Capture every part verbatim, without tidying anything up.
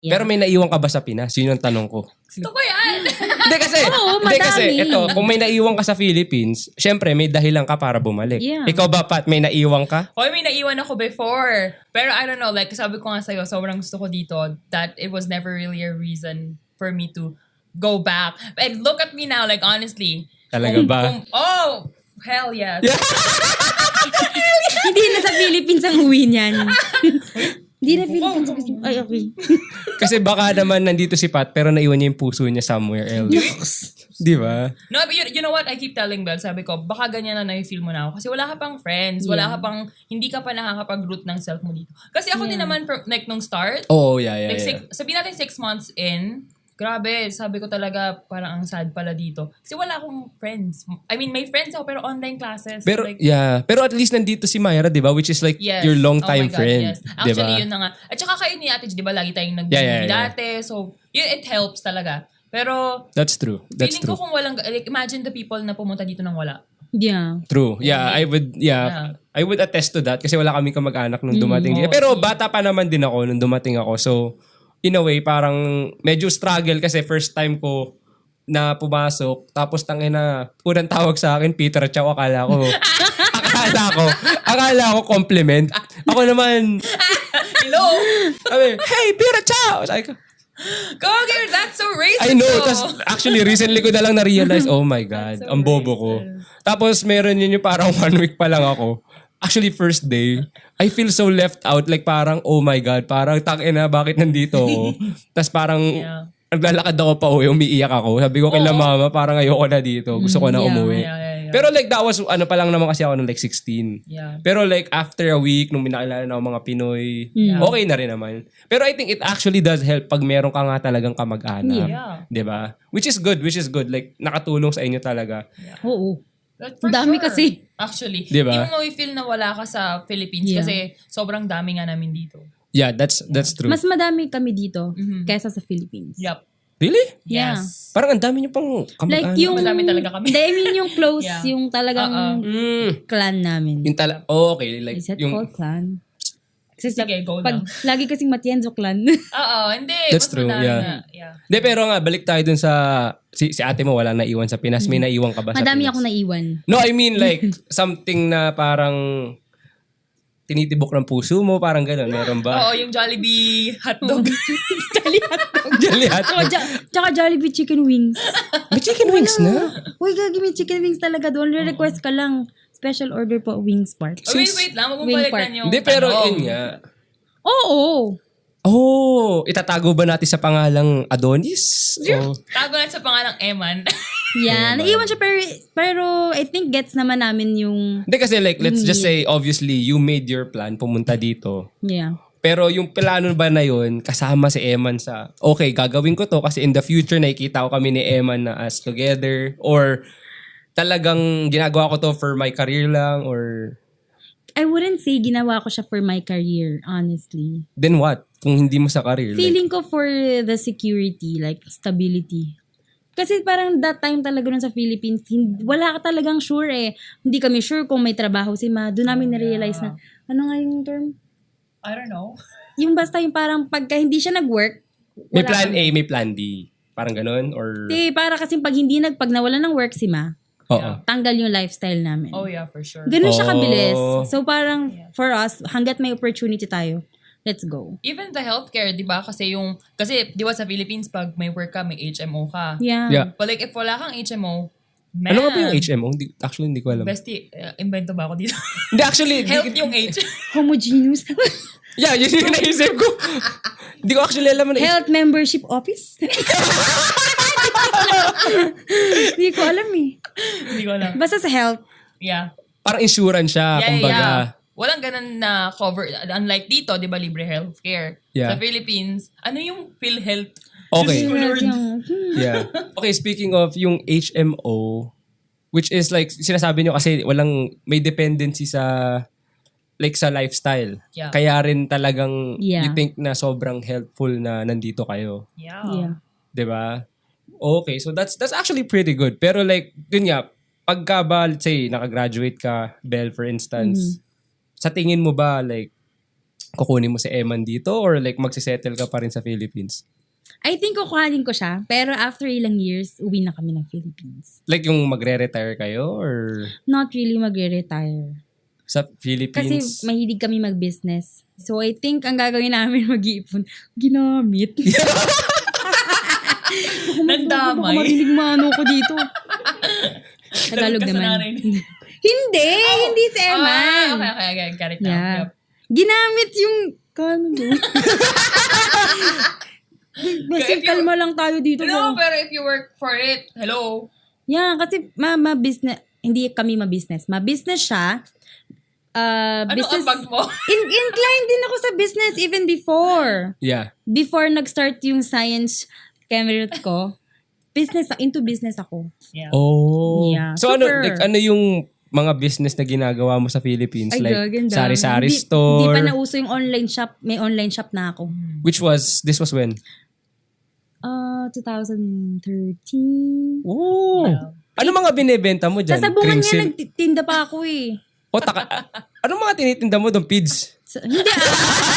Yeah. Pero may naiwan ka ba sa Pinas? Yun yung tanong ko. Gusto ko yan. Hindi kasi, Oo, hindi kasi, madami. ito, kung may naiwan ka sa Philippines, syempre may dahilan ka para bumalik. Yeah. Ikaw ba, Pat, may naiwan ka? Hoy, may naiwan ako before. Pero I don't know, like sabi ko nga sa'yo, sobrang gusto ko dito that it was never really a reason for me to go back. And look at me now, like honestly. Talaga kung- ba? kung- oh, hell yes. Yeah. Hindi na sa Philippines ang uwi niyan. Hindi na Philippines. Ay, okay. Kasi baka naman nandito si Pat, pero naiwan niya yung puso niya somewhere else. Di ba? No, but you, you know what? I keep telling Belle, sabi ko, baka ganyan na na-feel mo na ako. Kasi wala ka pang friends. Wala Yeah. ka pang, hindi ka pa nakakapag-root ng self mo dito. Kasi ako din Yeah. naman, from, like, nung start, Oo, oh, yeah, yeah, like, yeah. six, sabihin natin six months in, grabe, sabi ko talaga, parang ang sad pala dito. Kasi wala akong friends. I mean, may friends ako, pero online classes. Pero, like, yeah. Pero at least nandito si Myra, di ba? Which is like yes. your long Oh my time God, friend. yes. Di Actually, ba? yun na nga. At saka kayo ni Ate, di ba, lagi tayong nag Yeah, yeah, yeah. dati. So, yun, it helps talaga. Pero, That's true. That's feeling true. ko kung walang, like, imagine the people na pumunta dito nang wala. Yeah. True. Yeah, I would, yeah. Yeah. I would attest to that kasi wala kaming kamag-anak nung dumating. Mm, dito. Pero bata pa naman din ako nung dumating ako. So, in a way, parang medyo struggle kasi first time ko na pumasok. Tapos tangina, unang tawag sa akin, Peter Chow, akala ko. akala ko, akala ko compliment. Ako naman, Hello? sabi, hey, Peter Chow! Sabi ko, Go here, that's so racist. I know. though. Tapos actually recently ko na lang na-realize, oh my God, That's so ang bobo ko. Tapos meron yun yung parang one week pa lang ako. Actually, first day, I feel so left out. Like parang, oh my God, parang tangina, bakit nandito ako? Tapos parang, Yeah. naglalakad ako pa uwi, umiiyak ako. Sabi ko kay la Oo. mama, parang ayoko na dito. Gusto ko na Yeah. umuwi. Yeah, yeah, yeah. Pero like that was, ano pa lang naman kasi ako nung like sixteen. Yeah. Pero like after a week, nung minakilala na ako mga Pinoy, okay na rin naman. Pero I think it actually does help pag meron ka nga talagang kamag-anak. Yeah. 'Di ba? Which is good, which is good. Like nakatulong sa inyo talaga. Oo. But for Dami sure. kasi. Actually. Di ba? Even though we feel na wala ka sa Philippines Yeah. kasi sobrang dami nga namin dito. Yeah, that's that's true. Mas madami kami dito kaysa sa Philippines. Yup. Really? Yeah. Yes. Parang ang dami niyo pang kamag-anak. Like yung... Madami talaga kami. Hindi, I mean yung close, Yeah. yung talagang Mm, clan namin. yung tala oh, okay, like Is that yung called clan? Kasi sa, Sige, go pag, lang. lagi kasing Matienzo clan. Oo, hindi. That's Mas true, madami yeah. nga. Yeah. De, pero nga, balik tayo dun sa... Si, si ate mo wala naiwan sa Pinas. May naiwan ka ba sa Madami Pinas? ako naiwan. No, I mean like, something na parang tinitibok ng puso mo, parang gano'n. Meron ba? Oo, yung Jollibee hotdog. Jolly hotdog. Jolly hot. Tsaka, ja- tsaka Jollibee chicken wings. May chicken wings na? Uy, gagi may chicken wings talaga doon. Re-request ka lang. Special order po, wings part. Oh, wait, wait lang. Wing Magbabalik part. na yung Hindi, pero tanong. yun nga. Oo. Oh, itatago ba natin sa pangalang Adonis? O, Tago natin sa pangalang Eman. Yeah, naiwan siya pero, pero I think gets naman namin yung... hindi kasi like, let's just say, obviously, you made your plan, pumunta dito. Yeah. Pero yung plano ba na yun, kasama si Eman sa, okay, gagawin ko to kasi in the future, nakikita ko kami ni Eman na as together. Or talagang ginagawa ko to for my career lang or I wouldn't say ginawa ko siya for my career, honestly. then what? Kung hindi mo sa career. Like, Feeling ko for the security, like stability. Kasi parang that time talaga nun sa Philippines, hindi, wala ka talagang sure eh. Hindi kami sure kung may trabaho si Ma. Doon namin na-realize na, ano nga yung term? I don't know. Yung basta yung parang pagka hindi siya nag-work, may wala plan kang- A, may plan D. Parang ganun? Or, Hindi, para kasi pag hindi nag, pag nawala ng work si Ma, oo. tanggal yung lifestyle namin. Oh yeah, for sure. Ganun siya Oh. kabilis. So parang for us, hanggat may opportunity tayo, let's go. Even the healthcare, di ba? Kasi yung, kasi di ba sa Philippines, pag may work ka, may H M O ka. Yeah. Yeah. But like, if wala kang H M O, man. Ano nga ba yung H M O? Hindi, actually, hindi ko alam. Bestie, uh, invento ba ako dito? Hindi, actually, di- Health yung H. Homogeneous. yeah, yun yung naisip ko. Hindi ko actually alam. Ano, Health Membership Office? Hindi ko alam eh. Hindi ko alam. Basta sa health. Yeah. parang insurance siya, Yeah, kumbaga. yeah. Walang ganun na cover. Unlike dito, di ba, libre healthcare. Yeah. Sa Philippines, ano yung PhilHealth? Okay. Diyos ko, Lord. Yung- Yeah. Okay, speaking of yung H M O, which is like, sinasabi nyo kasi walang, may dependency sa, like sa lifestyle. Yeah. Kaya rin talagang, Yeah. you think na sobrang helpful na nandito kayo. Yeah. Yeah. 'Di ba? Okay, so that's that's actually pretty good. Pero like, yun nga, pagka ba, let's say, nakagraduate ka, Belle, for instance, Mm-hmm. sa tingin mo ba, like, kukunin mo si Eman dito or like magsisettle ka pa rin sa Philippines? I think kukuhanin ko siya, pero after ilang years, uwi na kami ng Philippines. Like yung magre-retire kayo or Not really magre-retire. sa Kasi Philippines? mahilig kami mag-business. So I think ang gagawin namin mag-iipon, ginamit. Nagdamay. Baka marinig maano ko dito. Tagalog Lagot ka sa naman. nanay. Hindi! Hindi si Eman. Ah, okay, okay, okay. Got it now. Yeah. Yep. Ginamit yung... Kano mo? Basta If you- kalma lang tayo dito. No, ba? pero if you work for it, hello. Yeah, kasi ma, ma business, hindi kami ma-business. Ma-business siya. Uh, Ano business, ang bag mo? in, inclined din ako sa business even before. Yeah. Before nag-start yung science career ko, business, into business ako. Yeah. Oh. Yeah. So ano, Super. like, ano yung mga business na ginagawa mo sa Philippines? Ay, like gaganda. sari-sari Hindi- store? Hindi pa nauso yung online shop. May online shop na ako. Which was, this was when? Uh, twenty thirteen. Oh. Yeah. Ano mga binebenta mo dyan? Sa sabungan Cream nga silk? nagtinda pa ako eh. O, taka, ano mga tinitinda mo doon? Pids? So, hindi ah.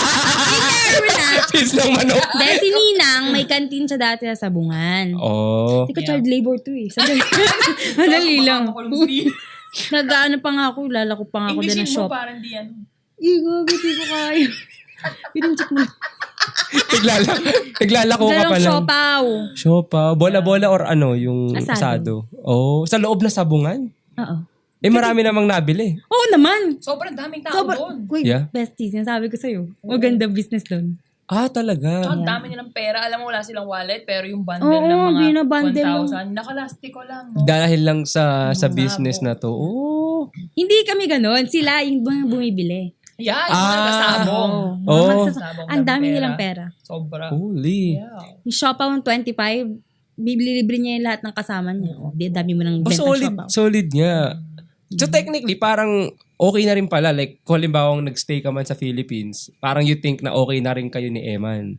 Hindi na. Pids ng manok? Dahil si Ninang, may kantin siya dati sa sabungan. Oh. Hindi ko Yeah. child labor to eh. Sandali. Madali lang. English Nag-ano pa nga ako, lalako pa nga ako din ng mo shop. parang di ano. Igo, hindi ko kaya. Pinunchik mo. Naglala, naglalako ka Dalawang pa lang. siopaw. Siopa. Bola-bola or ano, yung Asado. asado. Oh, sa loob na sabungan? Oo. Eh, marami namang nabili. Oo naman. Sobrang daming tao Sobrang, doon. wait, Yeah. bestie, sinasabi ko sa'yo. Maganda business doon. Ah, talaga? Ang dami nilang pera. Alam mo, wala silang wallet, pero yung bundle Oo, ng mga binabundle one thousand, nakalastiko lang. No? Dahil lang sa sa Mm, business sabo. na to. Oh. Hindi kami ganon. Sila yung mga bumibili. Yeah, yung Ah, mga kasabong. Oo. Oh. Mga magsas- Sabong Ang ng dami pera. nilang pera. Sobra. Holy. Yeah. Yung siopaw ng twenty-five, bibili-libre niya yung lahat ng kasama niya. Oh, di, dami mo ng Oh, benta solid. siopaw. Solid nga. So technically, parang okay na rin pala. Like, kung halimbawa nagstay ka man sa Philippines, parang you think na okay na rin kayo ni Eman.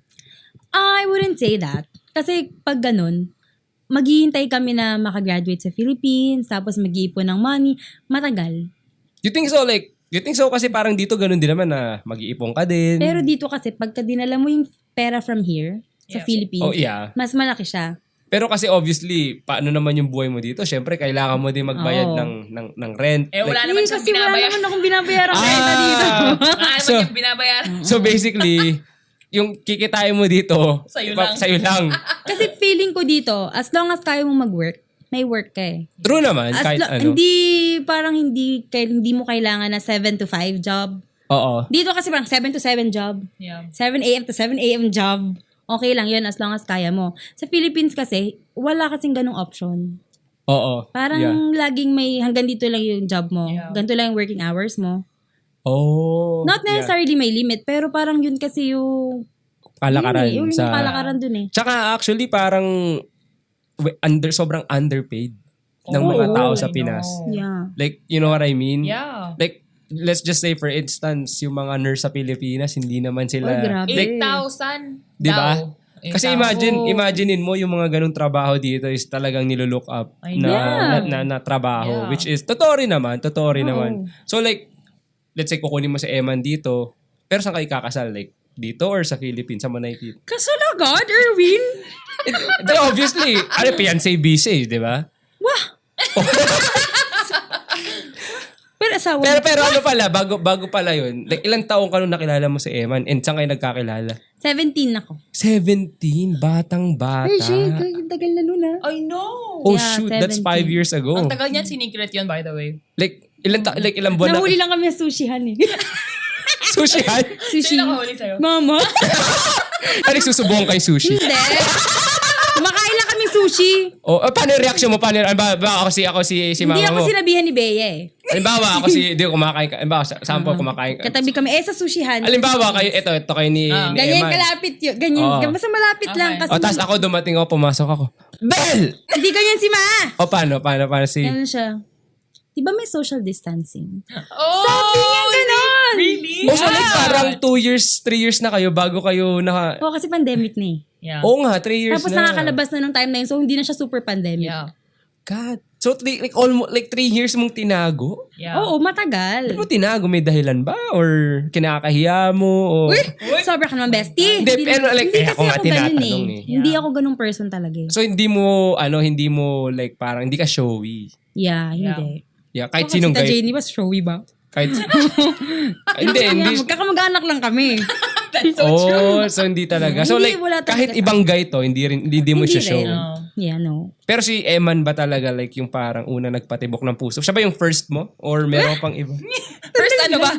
I wouldn't say that. Kasi pag ganun, maghihintay kami na makagraduate sa Philippines, tapos mag-iipon ng money, matagal. You think so? Like, you think so? Kasi parang dito ganun din naman na mag-iipon ka din. Pero dito kasi, pagka dinala mo yung pera from here, sa Yeah. Philippines, Oh, yeah. mas malaki siya. Pero kasi obviously, paano naman yung buhay mo dito? Siyempre, kailangan mo din magbayad Oo. ng, ng, ng rent. Eh, wala Like, naman Eh, siyang kasi wala binabayaran. naman akong binabayaran Ah! renta dito. Wala naman So- yung binabayaran. so basically, yung kikitain mo dito, Sa'yo pa- lang. Sa'yo lang. Kasi feeling ko dito, as long as kaya mo mag-work, may work ka eh. True naman, As kahit lo- ano. Hindi, parang hindi, kay, hindi mo kailangan na seven to five job. Oo. Dito kasi parang seven to seven job. Yeah. seven a.m. to seven a.m. job. Okay lang yun as long as kaya mo. Sa Philippines kasi, wala kasing ganong option. Oo. Parang Yeah. laging may hanggang dito lang yung job mo. Yeah. Ganito lang yung working hours mo. Oh. Not yeah. necessarily may limit, pero parang yun kasi yung... Kalakaran. Yun, eh, yun sa... yung kalakaran dun eh. Tsaka actually parang we- under sobrang underpaid ng Oh, mga tao sa I Pinas. know. Yeah. Like, you know what I mean? Yeah. Like, let's just say for instance, yung mga nurse sa Pilipinas, hindi naman sila... Ay, grabe. eight thousand Di ba? daw. Kasi eight thousand. imagine, Oo. imaginein mo yung mga ganung trabaho dito is talagang nilook up I na, know. na, na, na trabaho. Yeah. Which is, totoo rin naman, totoo rin Oo. naman. So like, let's say kukunin mo si Eman dito, pero saan kayo kakasal? Like, dito or sa Philippines? Sa Manaypit? Kasal agad, Erwin? Di, obviously, ano, fiancé busy, di ba? Wah! Pero asawa Pero, mo. pero ano pala, bago, bago pala yun, like, ilang taong ka nung nakilala mo si Eman and saan kayo nagkakilala? seventeen ako. seventeen, batang bata. Ay, shit. Ang tagal na nun ah. I know. Oh Yeah, shoot, that's seventeen. five years ago. Ang tagal niyan, sinikret yun, by the way. Like, ilang, ta- like, ilang buwan Nahuli na... lang kami sa sushihan eh. Sushi, han? Sushi. Sino nakahuli sa'yo? Mama? Ano, susubong kay sushi? Hindi. Kumakain lang kaming sushi. O, oh, paano yung reaction mo? Paano, ano ba, ba ako si, ako si, si Hindi mama ako mo? sinabihan ni Bea eh. Halimbawa, ako si, di ko kumakain ka. Halimbawa, sa- saan po kumakain ka? Katabi kami, eh sa sushihan. Halimbawa, kayo, ito, ito kayo ni, Ah. ni Ganyan Eman. kalapit yun. Ganyan. Oo. Basta malapit Okay. lang. Kasi O, tapos ako dumating ako, pumasok ako. Bell! hindi ganyan si Ma. O, paano, paano, paano si... Ganun siya. Di ba may social distancing? Oh! Sabi niya ganon! Really? O, so like, Yeah. parang two years, three years na kayo bago kayo naka... Oo, kasi pandemic na eh. Yeah. Oo nga, three years Tapos na. nakakalabas na nung time na yun, so hindi na siya super pandemic. Yeah. God. So, like, like, almost, like three years mong tinago? Yeah. Oo, matagal. Ano mo tinago? May dahilan ba? Or kinakahiya mo? O... Uy! Sobra ka naman, bestie. Hindi, pero like, hindi kaya kasi ako nga ako ganun tinatanong eh. eh. Hindi ako ganung person talaga eh. So, hindi mo, ano, hindi mo, like, parang, hindi ka showy. Yeah, Yeah. hindi. Yeah, kahit Ako, sinong Tita guy. Jenny, ba showy ba? Kahit, hindi, hindi. Yeah, magkakamag-anak lang kami. That's so true. Oh, so hindi talaga. So Hindi, like, wala talaga kahit sa- ibang guy to, hindi rin, hindi, hindi mo Hindi siya show. rin. No. Yeah, no. Pero si Eman ba talaga like yung parang una nagpatibok ng puso? Siya ba yung first mo? Or meron pang iba? First ano ba?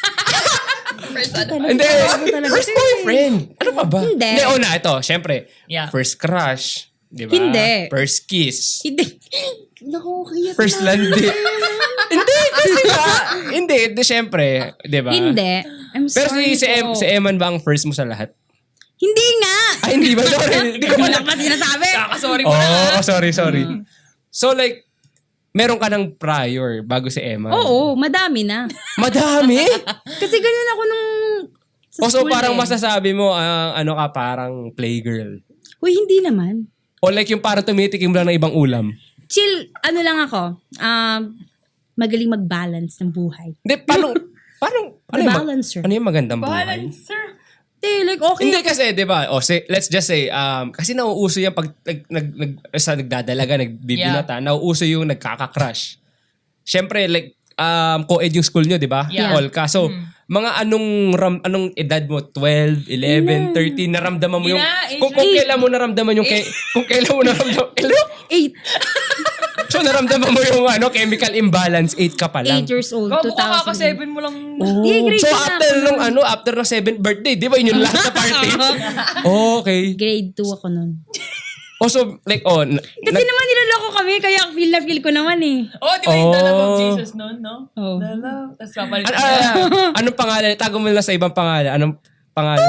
First ano ba? Hindi, Talaga, talaga. first boyfriend. Ano pa ba? Hindi. Hindi, una, ito, syempre. Yeah. First crush. Di ba? Hindi. First kiss. Hindi. Naku, kaya First landi. Hindi, kasi ba? Hindi, di syempre. Di ba? Hindi. I'm Pero sorry si, si, em, po. si Eman ba ang first mo sa lahat? Hindi nga! Ay, hindi ba? Sorry. Hindi ko Wala pala. pa sinasabi. Kakasorry mo na. Oh, sorry, sorry. So like, meron ka ng prior bago si Emma. Oo, madami na. Madami? Kasi ganun ako nung sa O so school parang eh. masasabi mo, ah, ano ka, parang playgirl. Uy, hindi naman. O like yung parang tumitikim lang ng ibang ulam. Chill, ano lang ako. Um, magaling mag-balance ng buhay. Hindi, paano, paano, ano yung, mag- Balancer. ano yung magandang buhay? Balancer. Hindi, like, okay. Hindi kasi, di ba, o say, let's just say, um, kasi nauuso yan pag nag, nag, nag, sa nagdadalaga, nagbibinata, nauuso yung nagkaka-crush. Siyempre, like, um, co-ed yung school nyo, di ba? Yeah. All ka. So, mga anong ram, anong edad mo? twelve, eleven, thirteen, naramdaman mo yung, Yeah, kung, kung age- kailan mo naramdaman yung, kay, kung kailan mo naramdaman, hello? Eight, So, naramdaman mo yung ano, chemical imbalance, eight ka pa lang. eight years old, Gago two ka thousand. kaka-seven mo lang. Oh. Di, grade So, two na after ako nung nun. ano, after ng seventh birthday, di ba yun yung last na party? Okay. Grade two ako nun. Oh, so, like, oh, na- Kasi nag- naman niloloko kami, kaya feel na feel ko naman eh. Oh, di ba yung the love of Oh. Jesus noon, no? Oh. The love. Tapos papalit An- na. ah, anong pangalan? Tago mo na sa ibang pangalan. Anong pangalan?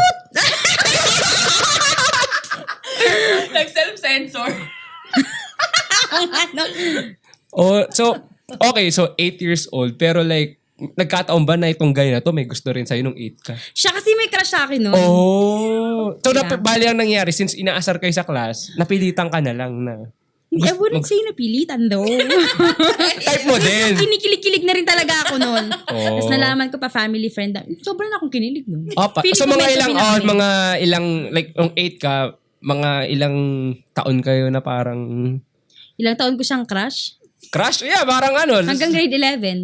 Nag-self-censor. Ano? Oh, so, okay, so eight years old. Pero like, nagkataon ba na itong guy na to may gusto rin sa'yo nung eight ka? Siya kasi may crush sa akin nun. Oh. So, Yeah. nap- bali ang nangyari, since inaasar kayo sa class, napilitan ka na lang na. Hindi, I wouldn't say napilitan though. Type mo din. Kinikilig-kilig na rin talaga ako nun. Oh. Tapos nalaman ko pa family friend. na- Sobrang akong kinilig nun. Opa. Feeling So, ko mga medyo ilang, pinaka- oh, mga ilang, like, yung eight ka, mga ilang taon kayo na parang Ilang taon ko siyang crush. crush? Yeah, parang ano. Hanggang grade eleven.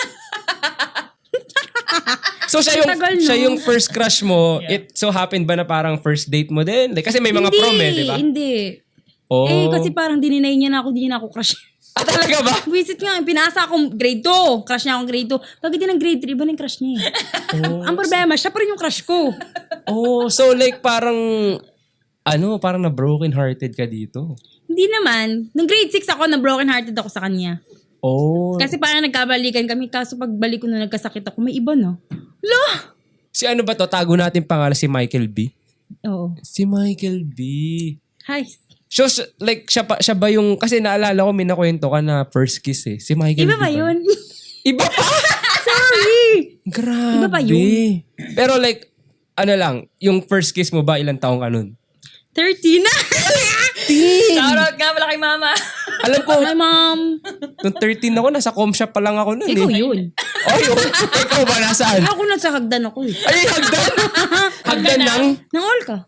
So siya yung Tagal, no? siya yung first crush mo. Yeah. It so happened ba na parang first date mo din? Like, kasi may mga hindi, prom eh, di ba? Hindi. Oh. Eh, kasi parang dininay niya na ako, di na ako crush. Ah, talaga ba? Visit nga, pinasa akong grade two. Crush niya akong grade two. Pag din ng grade three, iba na yung crush niya eh. Ang problema, siya pa rin yung crush ko. Oh, so like parang ano, parang na broken hearted ka dito. Hindi naman. Nung grade six ako, na broken hearted ako sa kanya. Oh. Kasi parang nagkabalikan kami. Kaso pagbalik ko na nagkasakit ako, may iba no? Lo! Si ano ba to? Tago natin pangalan si Michael B. Oo. Si Michael B. Hi. So, s- like, siya, pa, siya ba yung, kasi naalala ko, may nakwento ka na first kiss eh. Si Michael Iba B. ba yun? Iba pa? Sorry! Grabe. Iba pa yun? Pero like, ano lang, yung first kiss mo ba, ilang taong ka nun? thirteen na! Shoutout nga pala kay mama. Alam ko, Hi, mom. nung thirteen ako, nasa com shop pa lang ako nun Ikaw eh. yun. Oh, yun. Ikaw ba nasaan? Ako na sa hagdan ako eh. Ay, hagdan! hagdan ng... Nang all ka.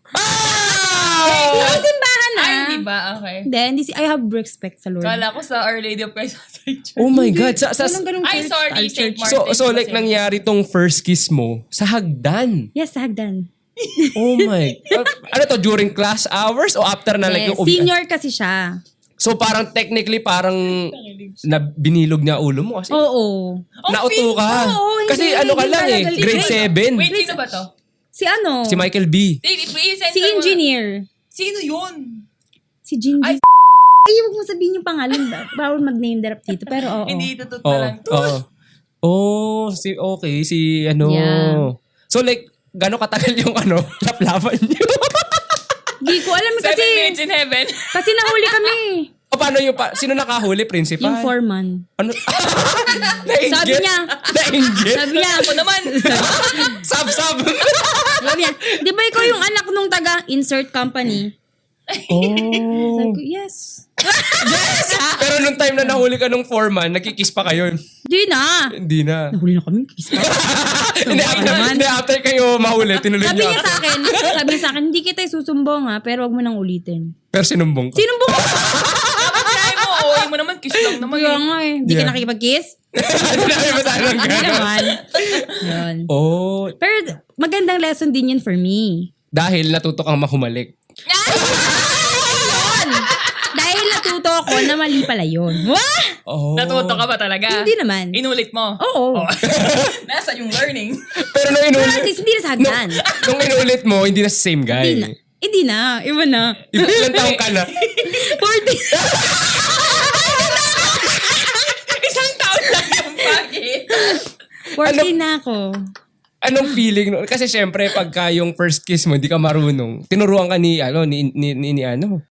Ah! Sa simbahan na. Ay, di ba? Okay. Hindi, hindi si, I have respect sa Lord. Kala ko sa Our Lady of Christ Church. Oh my God. Sa, sa, Walang ganung Ay, church. sorry, Our Saint church. Martin. so, so like, Kasi- nangyari tong first kiss mo sa hagdan. Yes, sa hagdan. Oh my. Uh, ano to, during class hours o after na like Yes, yung uwi? senior kasi siya. So parang technically parang na binilog niya ulo mo kasi Oh, Oo. nauto ka. Oo, hindi, kasi ano ka hindi lang eh, talaga. grade Wait, seven. Wait, sino ba to? Si ano? Si Michael B. Wait, wait, Si engineer. Sino yun? Si Jinji. Ay, Ay, huwag mo sabihin yung pangalan. Bawal mag-name drop dito. Pero oo. Hindi, tutut Oo. na lang. Oo. Oh, si okay, si ano. Yeah. So like gaano katagal yung ano, laplapan niyo? Di ko alam Seven kasi. minutes in heaven. Kasi nahuli kami. O paano yung pa, sino nakahuli, principal? Yung foreman. Ano? Nainggit? Sabi niya. Nainggit? Sabi niya. Ako naman. Sab, sab. Sabi niya. Di ba ikaw yung anak nung taga insert company? Oh. Sabi ko, yes. Pero nung time na nahuli ka nung foreman, nagkikiss pa kayo. Di na. Hindi na. Nahuli na kami. Kiss pa. Hindi, after, hindi, after kayo mahuli, tinuloy Sabi niya. niya sa akin, sabi niya sa akin, hindi kita susumbong ha, pero wag mo nang ulitin. Pero sinumbong ka. Sinumbong ko? Try mo, okay mo naman, kiss lang naman. Kaya eh. nga eh. Hindi ka Yeah. nakikipag-kiss? Sinabi mo sa akin Hindi gano'n. naman. Yun. Oh, Pero magandang lesson din yun for me. dahil natuto kang mahumalik. Yun! Dahil natuto ako na mali pala yun. Wah! Oh. Natuto ka ba talaga? Hindi naman. Inulit mo? Oo. Oh. Nasa yung learning. Pero nung Pero inulit, at least hindi na sa hagdan. nung inulit mo, hindi na sa same Hindi guy. na. Hindi na. Iba na. Iba, ilang taong ka na? forty. Isang taon lang yung bakit. forty na ako. Anong feeling? no? Kasi syempre, pagka yung first kiss mo, hindi ka marunong. Tinuruan ka ni, ano, ni, ni, ni, ni ano,